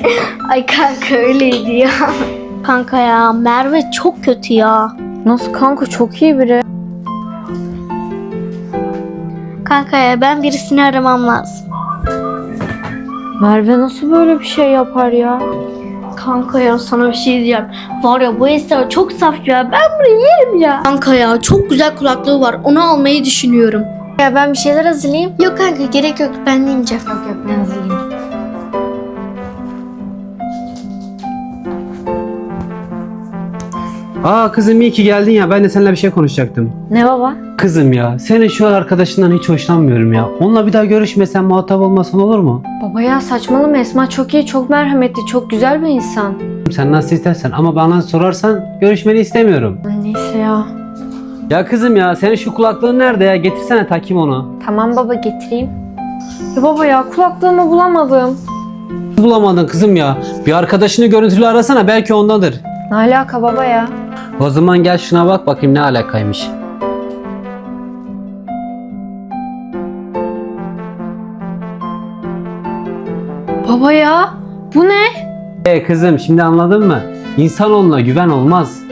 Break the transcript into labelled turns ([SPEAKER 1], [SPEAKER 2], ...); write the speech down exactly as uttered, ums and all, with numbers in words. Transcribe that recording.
[SPEAKER 1] Ay kanka öyleydi ya. Kanka ya Merve çok kötü ya.
[SPEAKER 2] Nasıl kanka, çok iyi biri.
[SPEAKER 1] Kanka ya ben birisini aramam lazım.
[SPEAKER 2] Merve nasıl böyle bir şey yapar ya?
[SPEAKER 1] Kanka ya sana bir şey diyeceğim. Var ya bu Esra çok saf ya. Ben bunu yerim ya. Kanka ya çok güzel kulaklığı var. Onu almayı düşünüyorum.
[SPEAKER 2] Ya ben bir şeyler hazırlayayım.
[SPEAKER 1] Yok kanka gerek yok. Ben yemeyeceğim.
[SPEAKER 2] Yok yok, ben hazırlayayım.
[SPEAKER 3] Aa kızım iyi ki geldin ya. Ben de seninle bir şey konuşacaktım.
[SPEAKER 2] Ne baba?
[SPEAKER 3] Kızım ya senin şu arkadaşından hiç hoşlanmıyorum ya. Onunla bir daha görüşmesen, muhatap olmasan olur mu?
[SPEAKER 2] Baba ya saçmalama, Esma çok iyi, çok merhametli, çok güzel bir insan.
[SPEAKER 3] Sen nasıl istersen ama bana sorarsan görüşmeni istemiyorum.
[SPEAKER 2] Neyse ya.
[SPEAKER 3] Ya kızım ya senin şu kulaklığın nerede ya? Getirsene takayım onu.
[SPEAKER 2] Tamam baba, getireyim. Ya baba ya, kulaklığımı bulamadım.
[SPEAKER 3] Bulamadın kızım ya. Bir arkadaşını görüntülü arasana, belki ondadır.
[SPEAKER 2] Ne alaka baba ya?
[SPEAKER 3] O zaman gel şuna bak bakayım ne alakaymış.
[SPEAKER 2] Baba ya, bu ne?
[SPEAKER 3] E kızım şimdi anladın mı? İnsanoğluna güven olmaz.